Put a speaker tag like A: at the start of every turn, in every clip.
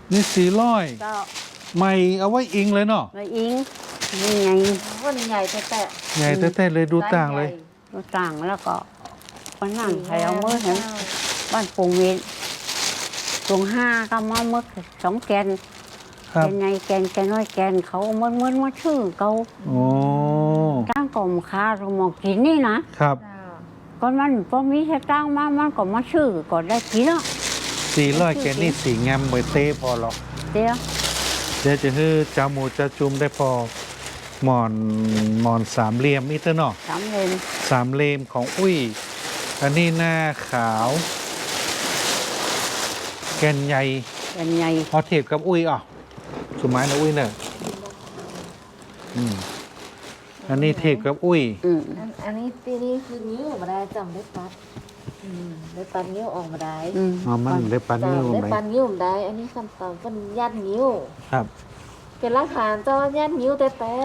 A: นี่
B: เจ้า
A: 400ใหม่เอาไว้อิงเลยเนาะ
B: ไว้อิงนี่ไง
C: วันใหญ่แต่
A: ใหญ่แท้ๆเลยดูต่างเลย
B: ดูต่างแล้วก็วันนั่งใครเอามือเห็นบ้านปงเวียนตรง5ก็มามึก2แกน
A: ครับ
B: แกนใหญ่แกนน้อยแกนเขามันมาชื่อเขา
A: โอ้
B: ตั้งกล่อมค้าเรามองกินนี่นะครับ ก็มันพอมีแค่ตั้งมามันก็มาชื่อก็ได้กินแล้ว
A: 400แกนนี่สีงามไว้เต้พอหรอก
B: เดี๋ยว
A: เดี๋ยวจะให้จาหมูจะจุ่มได้พอหมอนสามเหลี่ยมนี่เถอะเนาะ
B: สามเลน
A: สามเหลี่ยมของอุ้ยอันนี้หน้าขาวแกนใหญ่
B: แกนใหญ่
A: พอเทียบกับอุ้ยอ่ะสมัยนะอุ้ยเนี่ยอันนี้เทียบกับอุ้ย
C: อันนี้ตีนี้คือนิ้วออกมาได้จำได้ปัดได้ปัดนิ้วออกมาได้
A: อ๋อมันได้ปันนิ้ว
C: ได้
A: ไหม
C: ปัดนิ้วได้ อันนี้คำตอบเป็นยัดนิ้ว
A: ครับ
C: เป็นหลักฐานเจ้ายัดนิ้วแต่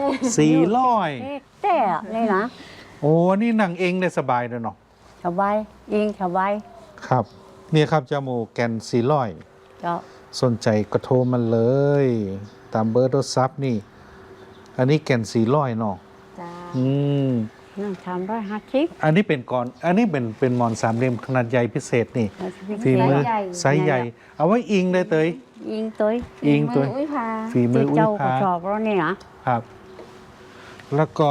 A: 400
B: แต่นี่นะ
A: โอ้นี่นั่งเองได้สบายเลยเนาะ
B: สบายยิงสบาย
A: ครับเนี่ยครับจาหมูแกน400
B: เจ้า
A: สนใจก็โทรมันเลย ตามเบอร์โทรศัพท์นี่ อันนี้แกน400เนาะ
C: จ้า
A: อืม
B: นั่ง350
A: อันนี้เป็นก่อน อันนี้เป็นหมอนสามเหลี่ยมขนาดใหญ่พิเศษนี่ฝีมือไซส์ใหญ่ เอาไว้อิงได้เตย
B: ยิงตัว
A: อิงตัว
C: อุ้ยพา
A: ฝีมืออุ้ย
B: เจ้าก็
A: พา
B: ชอบแล้วนี่นะครับ
A: แล้วก็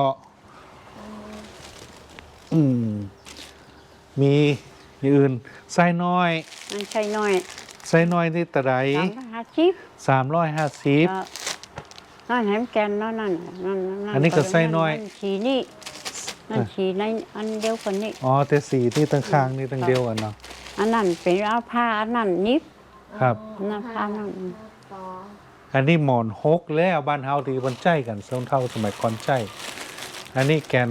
A: มีอย่างอื่นไส้น้อย
B: มันใช่น้อย
A: ไส้น้อยนี่ตะได
B: 350
A: 350
B: นั่นแหมแกนนั่น
A: อันนี้ก็ไส้น้อย
B: ฉีนี่นั่นฉีในอันเดียวกันนี่
A: อ๋อแต่สีที่ตั้งข้างนี่ตั้งเดียวกันเนาะ
B: อันนั้นเป็นเอาผ้าอันนั้นนิบ
A: ครับ
B: นั่นผ้านั่น
A: อันนี้หมอนฮกแล้วบ้านเฮาที่มันใจกันส้มเท่าสมัยก่อนใจ อันนี้แก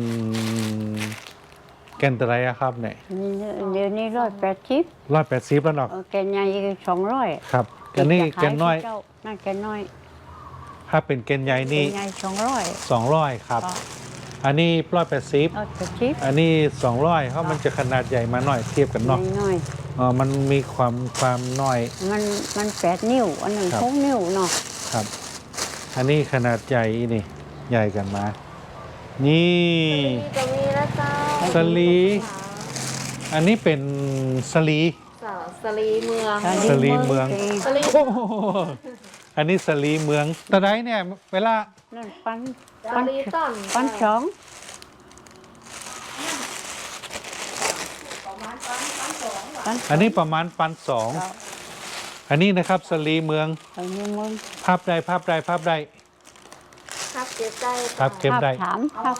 A: นตะไรอะครับเนี่ย
B: เดี๋ยวนี้180
A: 180แล้วเนาะ
B: แกนใหญ่200
A: ครับ อันนี้แกนน้อย
B: นั่นแกนน้อย
A: ถ้าเป็นแกนใหญ่
B: แก
A: นี่
B: นใหญ่200
A: 200ครับ อันนี้180
B: 180
A: อันนี้200เพราะมันจะขนาดใหญ่มาหน่อยเทียบกันเนาะ
B: น้อย
A: อ๋อมันมีความน้อย
B: มัน8นิ้วอันนึง
A: ครับ
B: 6นิ้วเนาะ
A: ครับ อันนี้ขนาดใหญ่นี่ใหญ่กันมา นี่
C: จะมีแล้วเจ้า
A: สลี อันนี้เป็นสลี
C: สลีเมือง
A: สลีเมือง
C: สลี
A: โอ้โหอันนี้สลีเมืองตะไดเนี่ย เวลา
B: นั่น
C: สลีต้น
B: ปันสอง
A: อันนี้ประมาณ1,200อันนี้นะครับสลีเมือง
B: อันนี้มึง
A: ภาพใดภาพใดภาพใด
C: ครับเก็บได้
A: ภาพเก็บได้
B: ถามครับ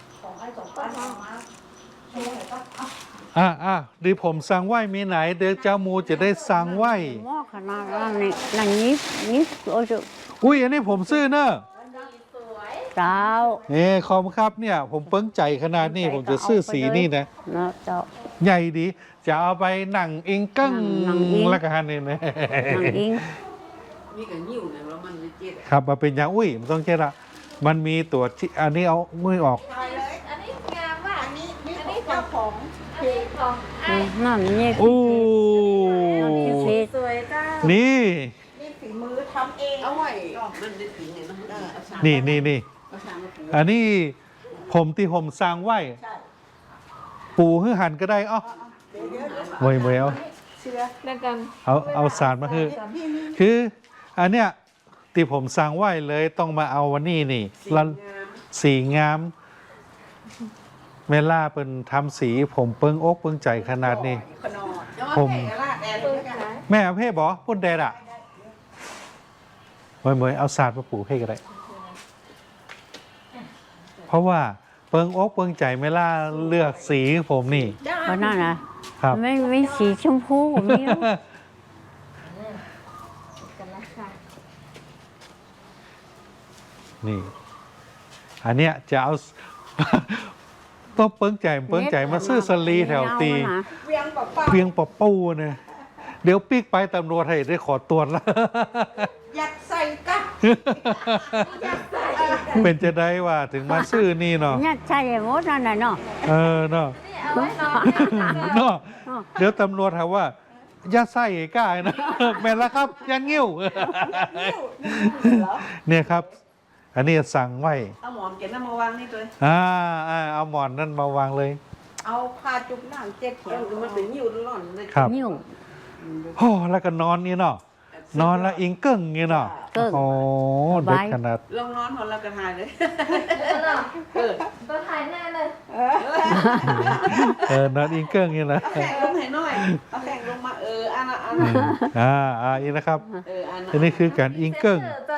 A: ดีผมสั่งไหวมีไหน เดี๋ยวเจ้ามูจะได้สั่งไหว
B: หม้อขนาดนั้นนี่นั่นนิบโอ้ย
A: อุ้ยอันนี้ผมซื้อเนอะ
B: เจ้า
A: ขอบคุณครับเนี่ย ผมเปิ้งใจขนาดนี้ผมจะซื้อสีนี่นะ
B: เนาะเจ้า
A: ใหญ่ดี จะเอาไปหนังอิงกั้ง
B: หนังอิง
A: แล้วกันนี่นะ
B: นางอิง
D: มีกันยิ้วเนี่ยแล้วมันไม่เจ็บ
A: ครับมาเป็นอย่างอุ้ยมันต้องเช็ดละมันมีตัวที่อันนี้เอามือออก
C: อันนี้งามว่ะอันนี้เจ้าของคือของ
B: นั่นนี่
A: อู้
B: คือเพชร
C: สวยเจ้า
A: นี่
D: เอาไว้มันได้ถึงเนี่ยนะเอาสาร
A: นี่
D: เอาสารมาปู
A: อันนี้ผมที่ผมสร้างไว้ปูหือหันก็ได้อ้อเวยเอา
C: แล้วกัน
A: เอาสารมาคืออันเนี้ยที่ผมสร้างไว้เลยต้องมาเอาวันนี้นี่แล้วสีงามเวลาเป็นทำสีผมเปิ้งอกเปิ้งใจขนาดนี้ ผม แม่เอาเพ่บอพุ่นแดดอ่ะเมยเอาศาสตร์มาปลูกให้ก็ได้ เพราะว่าเปิงอกเปิงใจเวลาเลือกสีผมนี่
B: เพราะนั่นนะครับ ไม่สีชมพูมี
A: นี่ อันเนี้ยจะเอา ต้องเปิงใจมาซื้อสลีแถวตีเพียงปะปูเนี่ยเดี๋ยวปีกไปตำรวจให้ได้ขอตรวจแล้ว
D: ยัดใส่กั๊ก
A: เป็นจะได้ว่าถึงมาซื้อนี่เนาะ
B: เนี่ยใช่หมดนั่นน่ะเนาะ
A: เนาะ
C: เอาไว้นอน
A: เนาะเดี๋ยวตำรวจถามว่าย่าไส้กล้านะ แม่นแล้วครับย่างิ้ว เนี่ยครับ อันนี้สั่งไว้
D: เอาหมอนเก็บน้ำมาวางนี่ตัว
A: เอาหมอนนั่นมาวางเลย
D: เอาผ้าจุกน้ำเจ็ดเขียวมันเป็นยิ้วร้อนเลย
A: ครับ
B: นิ้ว
A: โอ้แล้วก็นอนนี่เนาะนอนแล้วอิงเกิ้งนี่เนาะ
B: เกิ้ง
A: โอ้
B: ส
A: เด็ก
B: บาย
A: ขนาด
D: ลงนอนหอนแล้วก็ทายเลย
C: ตัวถ่ายหน้าเลย
A: นอนอิงเกิ้งนี่นะ
D: เอาแข่งลงให้หน่อยเอาแข่งลงมาอันน่ะ
A: อีนะครับ
D: อัน
A: อันนี้คือการอิงเกิ้ง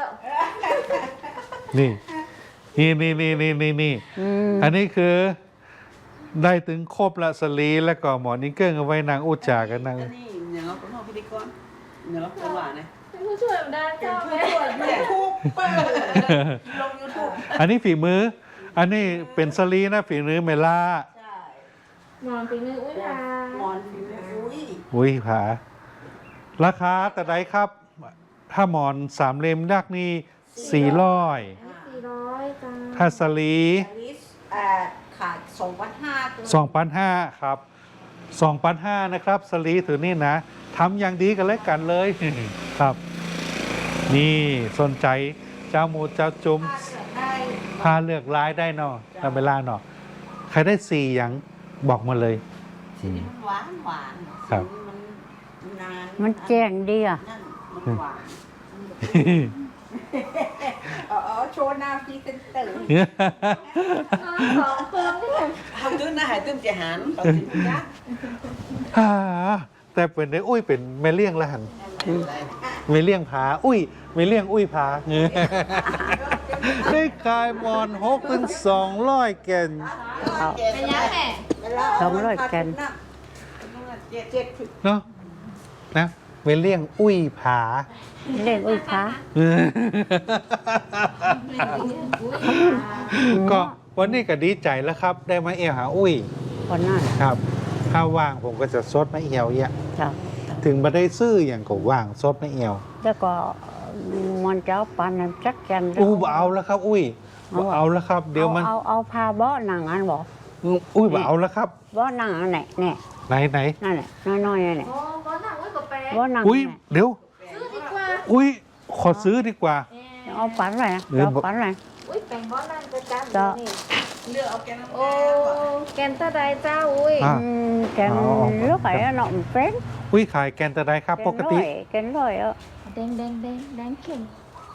A: นี่นี่
B: อืม
A: อันนี้คือได้ถึงครบละสลีแล้วก็หมอนอิงเกิ้งเอาไว้นางอุจจากันนาง
D: อันนี้อย่างเราเป็นพ่อพิธีกรอย่างเราเป็นหวานเนี่ย
C: ผู้ช่วยมันได้เจ้าไหม
D: ยูทูบเปิดลงยูทูบ
A: อันนี้ฝีมือ อันนี้เป็นสลีนะฝีมือเมล่า
C: นอนปีนึงอุ้ยา
D: หมอนผิวอุ้ย
A: อุ้ยผาราคาแต่ใดครับ ถ้าหมอนสามเล่มยักษ์นี่400
C: 400จ้า
A: ถ้าสลี
D: ลิสขาด2,500
A: 2,500ครับ2,500นะครับสลีถือนี่นะทำอย่างดีกันเลยกันเลย ครับ นี่สนใจเจ้าหมูเจ้าจุ้ม
D: ได้
A: พาเลือกร้ายได้เนาะตามเวลาเนาะใครได้4อย่างบอกมาเลย
D: สีนี้มันหวาน
A: ครับ
D: สีนี้มันนาน
B: มันแจ้งดีอ่ะ
D: นั่นมันหวานเอาโชว์หน้าพรีเซนเตอร์
C: สองเพิ่มที่ไหน
D: ทำตื้นนะหายตื้นจะหันเอาสิจ๊ะ
A: ฮ่าแต่เป็นได้อุ้ยเป็นแม่เลี้ยงละหันแม่เลี้ยงผาอุ้ยแม่เลี้ยงอุ้ยผา ได้ขายมอน6 ถึง 200 แก่น
C: เป็นยังไง
B: 200 แกน
D: เจ็ด
A: เนาะนะแม่เลี้ยงอุ้ยผา
B: เล่นอุ้ยฟ้า
A: ก็วันนี้ก็ดีใจแล้วครับ ได้มาเอวหาอุ้ย
B: คนนั้น
A: ครับ ถ้าว่างผมก็จะซดมาเอวเนี่ย
B: จ้ะ
A: ถึงมาได้ซื้ออย่างก็ว่างซดมาเอว
B: แล้วก็มันจะเอาปันนั้นจักแกน
A: อู้บ่เอาแล้วครับ อุ้ยบ่เอาแล้วครับ เดี๋ยวมัน
B: เอาพาเบาะหนังอันบอก
A: อุ้ยบ่เอาแล้วครับ
B: เบาะหนังอันไหนเนี่ย
A: ไหน
B: นั่นแหละน้อยๆนั่นแหละ
C: โอ้ก้อนหนังอุ้ยกับแปะ
B: เบาะหนัง
A: อุ้ยเดี๋ยว
C: ซื้อดีกว่า
A: อุ้ยขอซื้อดีกว่า
B: เอาปันอะไรนะ
A: เออ
B: เอาปันอะไร
C: อุ้ยแปงก้อนนั่นจะจ้า
B: จ้ะ
C: นี่
D: เลือกเอาแกน้ำ
C: โอ้แกนตาไดเจ้าอุ้ย
A: อ่ะ
B: แกนลูกไอ้หน่อมเฟ้น
A: อุ้ยขายแกนตะไดครับ ปกติ
B: แกนร้อย
C: แดงเข็ม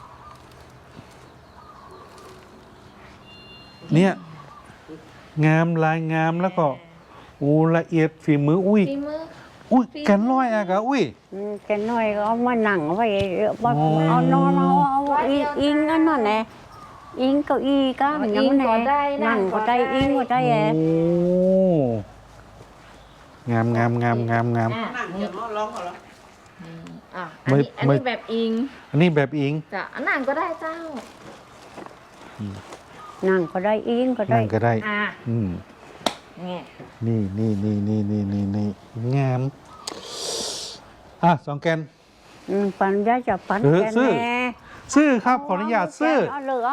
A: เนี่ย งามลายงามแล้วก็อูละเอียดฝีมืออุ้ย
C: ฝีมือ
A: อุ้ยแกนร้อยอะกะอุ้ย
B: แกนน้อยก็เอามาหนังไว้
A: อ๋อ
B: เอานอนเอาอิงอันนั้นแหละอิงเก้าอี้ก็ยังแหน่นั่งก็ได้อิงก็ได้แห
A: โอ้งาม
C: อ่ะ
D: นั่งเดี๋ยวร้องเขาแล้ว
C: อ่ะอันนี้แบบอิง
A: อันนี้แบบอิง
C: จ้ะอันนั้นก็ได้เจ้า
B: นั่งก็ได้อิงก็ได้
A: นั่นก็ได้
C: อ่ะ
A: อืม
C: นี่
A: นี่งาม2 แกน
B: ปันยาจะปัน
A: เออ
B: แกน
A: ซื้อ
B: แน่
A: ซื้อครับขออนุญาตซื้อ
B: เอาเลิกเอา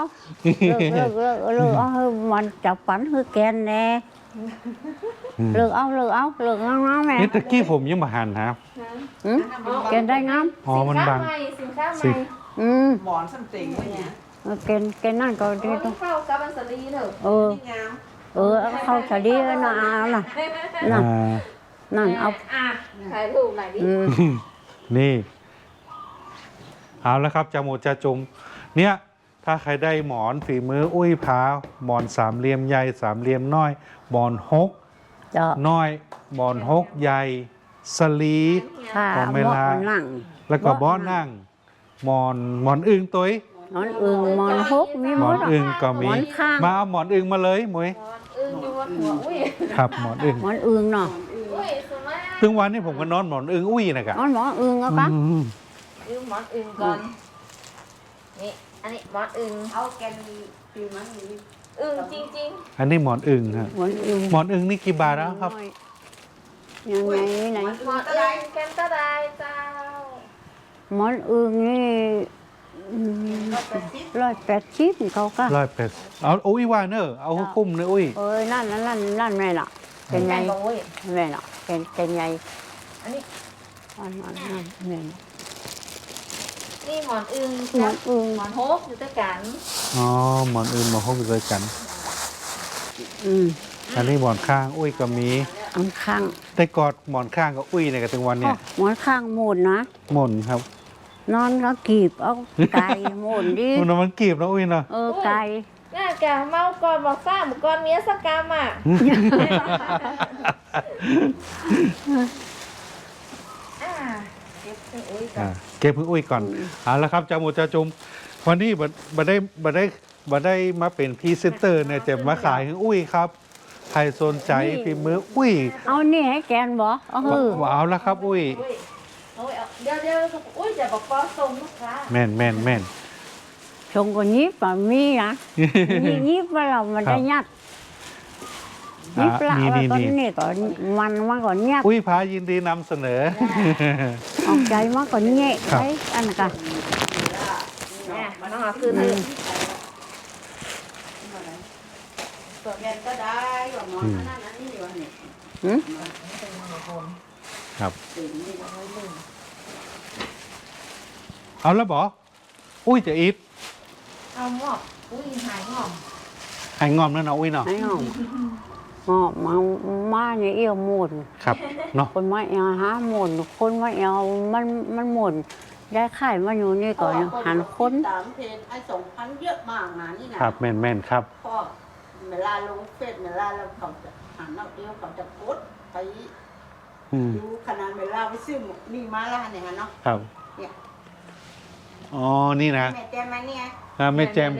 B: มันจะปันคือแกนแน่เลิกเอางามแม่
A: นี่ตะกี้ผมยังมาหันครับ
B: แกนได้งาม
A: อ๋อมันบัง
C: สินค้าให
A: สิ
C: ม่
D: หมอนสัมติงอะไรเงี้ย
B: แกนนั่นก็
C: โอ้
B: ได้
C: ยเข้ากับอันสลีเถอะ
D: นี่งาม
B: เข้าฉลีน่ะน่ะ
A: อ่า
B: นั่นเอา
C: อ่ะถ่ายรูปหน่อยดิ
A: นี่ เอาแล้วครับจาหมูจาจุมเนี่ย ถ้าใครได้หมอนฝีมืออุ้ยพาหมอนสามเหลี่ยมใหญ่สามเหลี่ยมน้อย หมอนฮก
B: จะ
A: น้อย หมอนฮกใหญ่ สลี
B: ค่ะ
A: ของเวลา
B: นั่ง
A: แล้วก็บ้อนั่ง หมอนอึงตัวย
B: หมอนอึงหมอนฮกมี
A: ห
B: ห
A: ม
B: ม
A: อ
B: อน น
A: อึงก็มี
B: หมอนข้าง
A: มาเอาหมอนอึงมาเลยหมวย
C: อึ้งอยู่บนหัวอุ้ย
A: ครับหมอนอึง
B: หมอนอึงเนาะ
C: อุ้ยสมัย
A: ถึงวันนี้ผมก็นอนหมอนอึงอุ้ยนะครับ
B: หมอนอึงเอาปะ
C: ยืมหมอนอึ้งก่อนนี่อันนี้หมอนอึ้ง
D: เอาแกนฟิวมันนี่
C: อึ้งจริง
A: อันนี้หมอนอึงครับ
B: หมอนอึง
A: หมอนอึงนี่กี่บาทแล้วครับ
B: ยังไงไหน
C: ๆหมอนอึ้งแกนตาไดเจ้า
B: หมอนอึงนี่ 180เขาก็
A: 180เอาอุ้ยว่าเนอะเอาคุ้มเนอะอุ้ย
B: นั่นแม่น่ะเป็นไง
C: แม่นบ่อุ้ย
B: เป็นไง
C: อันนี้
B: เป็นไง
C: อันนี้
B: นั่น
C: อันนี้
B: นั่น
C: อันนี้
B: อันเนี่ย
C: นี่หมอนอึง
B: หมอนอึง
C: หมอนโฮกอยู่ด้วยกัน
A: อ๋อหมอนอื่นหมอนห้องด้วยกัน
B: อืม
A: อันนี้หมอนข้างอุ้ยก็มี
B: อันข้าง
A: ได้กอดหมอนข้างกับอุ้ยในกันถึงวันเนี่ย
B: หมอนข้างหมุนนะ
A: หม่นครับ
B: นอนก็กีบเอาไก่หมุนดิ
A: มันกีบนะอุ้ยเนาะ
B: ไก่
C: น่าแกเมาก่อนบอกซ่าหมูก่อนเมียสกามอ่ะอ่าเก็บไปอุ้ยก่อน
A: เก็บเพิ่งอุ้ยก่อนเอาละครับจ่าหมูจ่าจุมวันนี้บัได้มาเป็นพรีเซนเตอร์เนี่ยจะมาขายให้อุ้ยครับใครสนใจฝีมืออุ้ย
B: เอานี่ให้แกนบ่เอาหือ
A: ว้าวแล้วครับอุ้ย
C: อุ้ยเอาไว้เอาเดี๋ยวอุ้ยจะบอกปอส่งลูกค้า
A: แม่นแม่นแม่น
B: ชงก็ยิบอ่ะมีนะมียิบว่าเรามันได้ยัดยิบละว่าตอนนี้ก็มันมาก่อนยัด
A: อุ้ยพายินดีนำเสนอ
B: ออกใจมาก่อนแงะ
A: ครับ
B: ไปอันกัน
C: เนี่ยมันต้องเอาคืนเลย
D: ตัวแกนก็ได้ว่าหมอนอันนั้นอันนี้ว่าเนี่ย
B: หืม
A: ครับ
D: สิ่งนี้เอาไว้เลย
A: เอาแล้วบออุ้ยจะอีท
C: เอาหมอบอุ้ยหายหมอบ
A: หายงอมแล้วเนาะอุ้ยเนาะ
B: ไอ้หอมมาเนี่ยเอี่ยวหมุน
A: ครับเนาะ
B: คนมาเอาหาหมุนคนมาเอามันหมุนได้ไข่มาอยู่นี่ก่อนหันคน
D: ตามเพจไอ้2,000เยอะมากนะนี่นะครับ
A: แม่นแม่นครับ
D: พ่อเวลาลงเฟซเวลาเราเขาจะหันเอาเดียวเขาจะกดไป
A: อืม
D: ดูขนาดเวลาไปซื้อหมกนี่มาแล้วเนี่ยฮะเนาะ
A: ครับ
D: เนี่ย
A: อ๋อนี่นะ
D: แม่แจมมาเนี่ย
A: ไม่แจม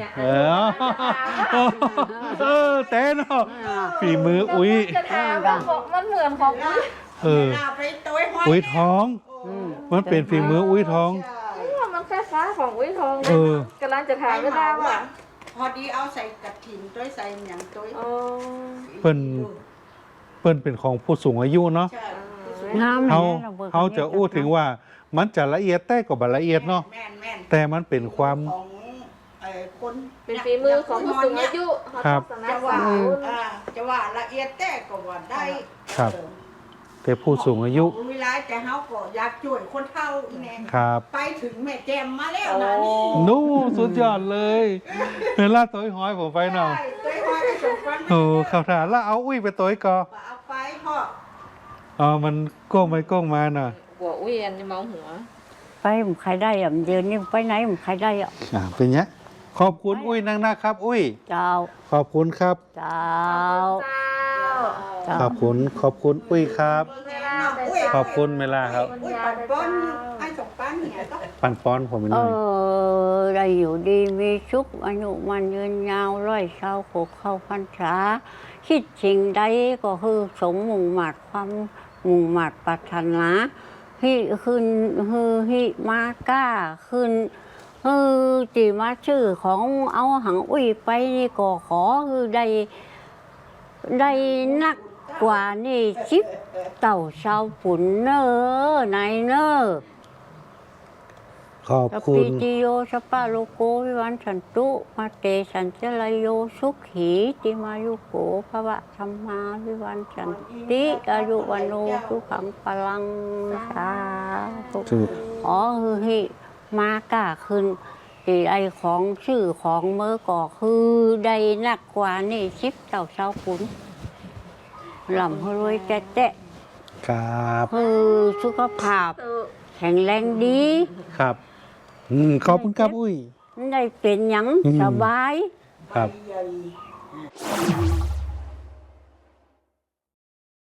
A: แต่เนาะฝีมืออุ้ย
C: จะถามว่ามันเหมือนของอุ้ย
A: เออ
D: วลาไปตัวห้อย
A: อุ้ยท้อง
D: โอ้
A: มันเป็นฝีมืออุ้ยท้อง
D: ใช่
C: มันคล้ายๆของอุ้ยทอง
A: เออ
C: กำลังจะถามไม่ได้ว่า
D: พอดีเอาใส่กระถิ่นตัวใส่อย่างตัว
C: อ๋อ
A: เปิ้นเป็นของผู้สูงอายุเนาะ
D: ใช่
B: งาม
A: เขาจะอู้ถึงว่ามันจะละเอียดแต่ก็บ่ละเอียดเนาะ
D: แม่นแม่น
A: แต่มันเป็นความ
D: ของคน
C: เป็นฝีมือของผู้สูงอายุเขา
A: ครับ
C: ต้องสนั
D: จะ
C: บส
D: ว่า
C: นุน
D: จะว่าละเอียดแต่ก็ว่าได้
A: ครับ แต่ผู้สูงอายุ
D: เวลาแต่เฮาก็อยากช่วยคนเฒ่าอีแน่
A: ครับ
D: ไปถึงแม่แจมมาแล้วนะนี่
A: นู่สุดยอดเลยเวลาตัวห้อยผมไปเนาะ
D: ใช่ตัวห้อยสมควร
A: โอ้ข่าวถามแล้วเอาอุ้ยไปตัวก่อ
D: เอาไปพ่อ
A: อ๋อมันก้มไปก้มมาน่ะ
C: หัวอุ้ยอันจะเมาหัว
B: ไปผมใครได้อ่ะเดือนนี้ไปไหนผมใครได้อ่ะ
A: เป็นเนี้ยขอบคุณอุ้ยนักนะครับ อุ้ย
B: เจ้า
A: ขอบคุณครับ
B: เจ้า
C: เจ้า
A: ขอบคุณอุ้ยครับ
C: เวลาไป
A: ขอบคุณเวลาครับ
D: อุ้ยปันป้อนไอ้สองป้านเนี่ยก็
A: ปันป้อนผมไปหน่อย
B: ได้อยู่ดีมีสุขอายุมันยืนยาวร้อยเช้าโขกเข้าพรรษาคิดสิ่งใดก็คือสมมุ่งหมัดความมุ่งหมัดปรารถนาฮิขึ้นฮิมาก้าขึ้นจีมาชื่อของเอาหังอุ้ยไปนี่ก็ขอคือได้นักกว่านี่ชิปเต่าชาวปุ่นเนอนายเนอ
A: ขอบ
B: สัพ
A: คุ
B: พิ
A: ณ
B: ติโยสัปปะโลกโกวิวันสันตุมาเตสันเจลายโยสุขีติมายุโกภวะธรรมาวิวันสันติอายุวันโนสุขังพลังสาธุ
A: ถูก
B: อ๋อคือฮิมากล้าขึ้นที่ไอของชื่อของเมื่อก่อคือได้นักกว่านี่ชิปเต่าชาวขุนหล่ำรวยแจ๊ะ
A: ครับ
B: คือสุขภาพแข็งแรงดี
A: ครับขอบคุณครับอุ้ย
B: ได้เป็นหยัง
A: อืม
B: สบาย
A: ครับ
D: ใหญ่